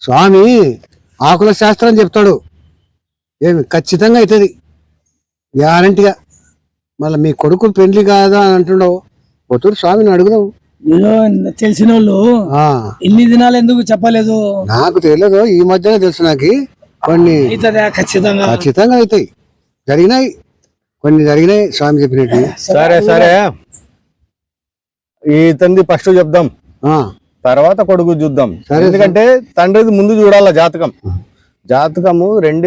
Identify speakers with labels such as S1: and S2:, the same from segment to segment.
S1: స్వామి ఆకుల శాస్త్రం చెప్తాడు, ఏమి ఖచ్చితంగా అవుతుంది గ్యారంటీగా. మళ్ళీ మీ కొడుకు పెళ్లి కాదా అని అంటుండవు, పొత్తూరు స్వామిని అడుగుదాం.
S2: తెలిసిన వాళ్ళు ఇన్ని దినాలు ఎందుకు చెప్పలేదు?
S1: నాకు తెలియదు, ఈ మధ్యనే తెలుసు. నాకు కొన్ని
S2: ఖచ్చితంగా
S1: ఖచ్చితంగా అవుతాయి, జరిగినాయి, కొన్ని జరిగినాయి స్వామి చెప్పినట్టు.
S3: సరే సరే, ఈ తండ్రి ఫస్ట్ చెప్దాం, తర్వాత కొడుకు చూద్దాం. ఎందుకంటే తండ్రిది ముందు చూడాల జాతకం. జాతకము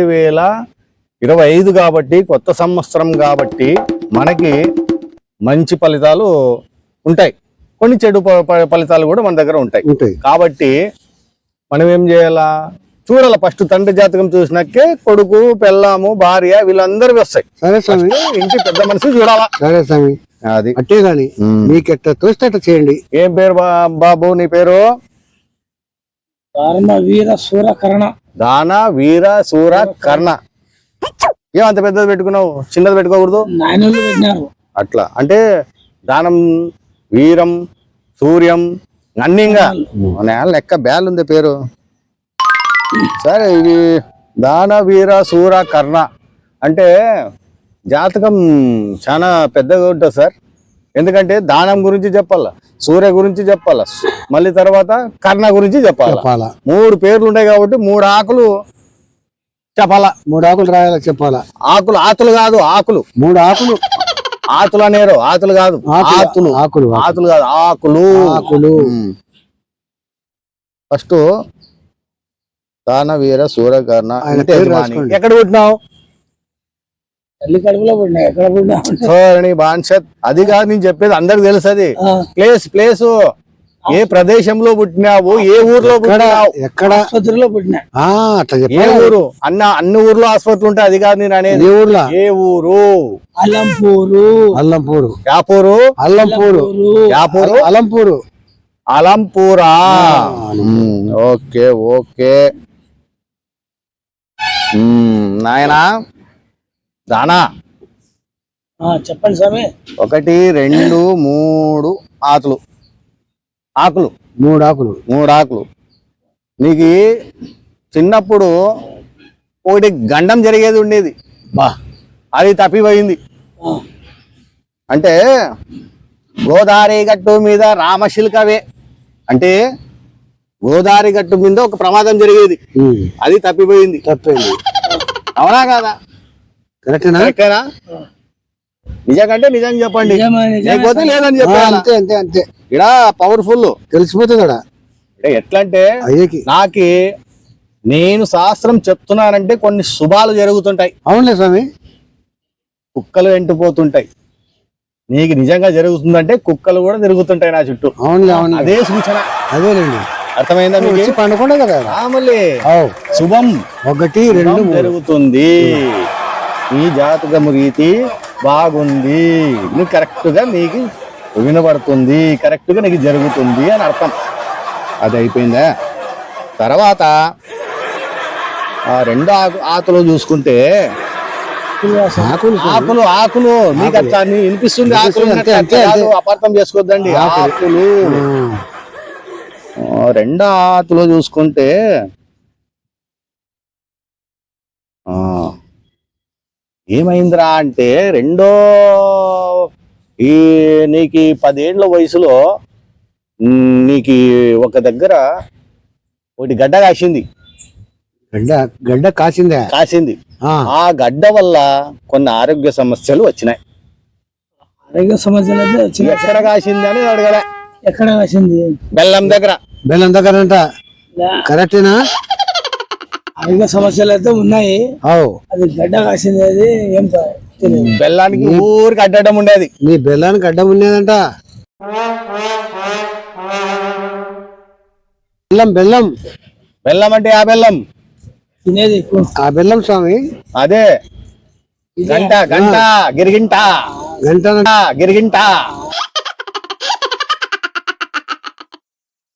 S3: 2025 కాబట్టి, కొత్త సంవత్సరం కాబట్టి మనకి మంచి ఫలితాలు ఉంటాయి, కొన్ని చెడు ఫలితాలు కూడా మన దగ్గర ఉంటాయి. కాబట్టి మనం ఏం చేయాలా, చూడాల. ఫస్ట్ తండ్రి జాతకం చూసినాకే కొడుకు, పెళ్ళాము, భార్య వీళ్ళందరూ వస్తాయి.
S1: సరే స్వామి,
S3: ఇంటి పెద్ద మనిషి చూడాలా.
S1: సరే స్వామి,
S3: అది
S1: అట్టే గాని మీకు ఎట్లా తోస్తే అట్లా చేయండి.
S3: ఏం పేరు బాబు నీ పేరు?
S2: దాన వీర శూర కర్ణ.
S3: దాన వీర శూర కర్ణ. ఏమంత పెద్దది పెట్టుకున్నావు, చిన్నది పెట్టుకోకూడదు?
S2: నాయనలు పెట్టినారు
S3: అట్లా. అంటే దానం, వీరం, సూర్యం అన్నింగా లెక్క బ్యాల్ ఉంది పేరు. సరే, ఇది దాన వీర శూర కర్ణ అంటే జాతకం చాలా పెద్దగా ఉంటుంది సార్. ఎందుకంటే దానం గురించి చెప్పాలా, సూర్య గురించి చెప్పాలా, మళ్ళీ తర్వాత కర్ణ గురించి చెప్పాలా. 3 పేర్లు ఉంటాయి కాబట్టి 3 ఆకులు చెప్పాలా.
S1: 3 ఆకులు రాయాలా, చెప్పాలా.
S3: ఆకులు, ఆతులు కాదు, ఆకులు.
S1: 3 ఆకులు.
S3: ఆతులు అనేరు, ఆతులు కాదు, ఆతులు.
S1: ఆకులు,
S3: ఆతులు కాదు, ఆకులు.
S1: ఆకులు.
S3: ఫస్ట్ దాన వీర శూర కర్ణ. ఎక్కడ పుట్టినావు?
S2: తల్లి కడుపులో పుట్టినా. ఎక్కడ పుట్టినా?
S3: బాన్షత్. అది కాదు నేను చెప్పేది, అందరికి తెలుసు. అది ప్లేస్ ఏ ప్రదేశంలో పుట్టినావు, ఏ ఊర్లో పుట్టినావు,
S1: ఎక్కడ
S2: ఆసుపత్రిలో పుట్టినా.
S3: ఏ ఊరు? అన్ని ఊర్లో ఆసుపత్రులు ఉంటాయి, అది కాదు నేను అనేది. ఏ ఊరు?
S2: అలంపూరు.
S1: అల్లంపూరు.
S3: యాపూరు.
S1: అల్లంపూరు.
S3: యాపూరు.
S1: అలంపూరు.
S3: అలంపూరా? ఓకే ఓకే నాయనా. దానా
S2: చెప్పండి స్వామి.
S3: 1 2 3 ఆకులు.
S1: 3 ఆకులు.
S3: 3 ఆకులు. నీకు చిన్నప్పుడు ఒకటి గండం జరిగేది ఉండేది, అది తప్పిపోయింది. అంటే గోదావరి గట్టు మీద రామశిల్కవే, అంటే గోదావరి గట్టు మీద ఒక ప్రమాదం జరిగేది, అది తప్పిపోయింది. అవునా కాదా? కరెక్టేనా? నిజంకంటే నిజం చెప్పండి, లేకపోతే లేదని చెప్పాలి.
S1: అంతే.
S3: ఇక్కడ పవర్ఫుల్
S1: తెలిసిపోతుంది.
S3: అంటే ఎట్లా అంటే, నాకి నేను శాస్త్రం చెప్తున్నానంటే కొన్ని శుభాలు జరుగుతుంటాయి.
S1: అవునులే స్వామి.
S3: కుక్కలు ఎండిపోతుంటాయి, నీకు నిజంగా జరుగుతుందంటే కుక్కలు కూడా తిరుగుతుంటాయి నా చుట్టూ.
S1: అవునులే,
S3: అదే సూచన.
S1: అదేనండి,
S3: అర్థమైందా? మీకు
S1: పండుకుండా కదా.
S3: మళ్ళీ శుభం
S1: 1 2
S3: జరుగుతుంది. ఈ జాతకము రీతి బాగుంది, నువ్వు కరెక్ట్ గా నీకు వినబడుతుంది, కరెక్ట్ గా నీకు జరుగుతుంది అని అర్థం. అది అయిపోయిందా? తర్వాత ఆ 2 ఆకులు చూసుకుంటే, ఆకులు నీకు అట్లా వినిపిస్తుంది. ఆకులు అపార్థం చేసుకోవద్దండి. ఆకులు 2 ఆకులు చూసుకుంటే ఏమైందిరా అంటే, నీకు 10 ఏళ్ల వయసులో నీకు ఒక దగ్గర ఒకటి గడ్డ కాసింది.
S1: గడ్డ కాసింది.
S3: ఆ గడ్డ వల్ల కొన్ని ఆరోగ్య సమస్యలు వచ్చినాయి.
S2: ఆరోగ్య సమస్యలు
S3: ఎక్కడ కాసింది అని అడగలే.
S2: ఎక్కడ కాసింది?
S3: బెల్లం దగ్గర
S1: అంట. కరెక్టేనా?
S2: ఆరోగ్య సమస్యలు అయితే ఉన్నాయి. అది గడ్డ కాసింది. అది ఏం
S3: బెల్లానికి ఊరికి అడ్డడం ఉండేది.
S1: నీ బెల్లానికి అడ్డం ఉండేదంట. బెల్లం
S3: అంటే ఆ బెల్లం
S2: తినేది,
S1: ఆ బెల్లం స్వామి.
S3: అదే గంట గిరిగింట.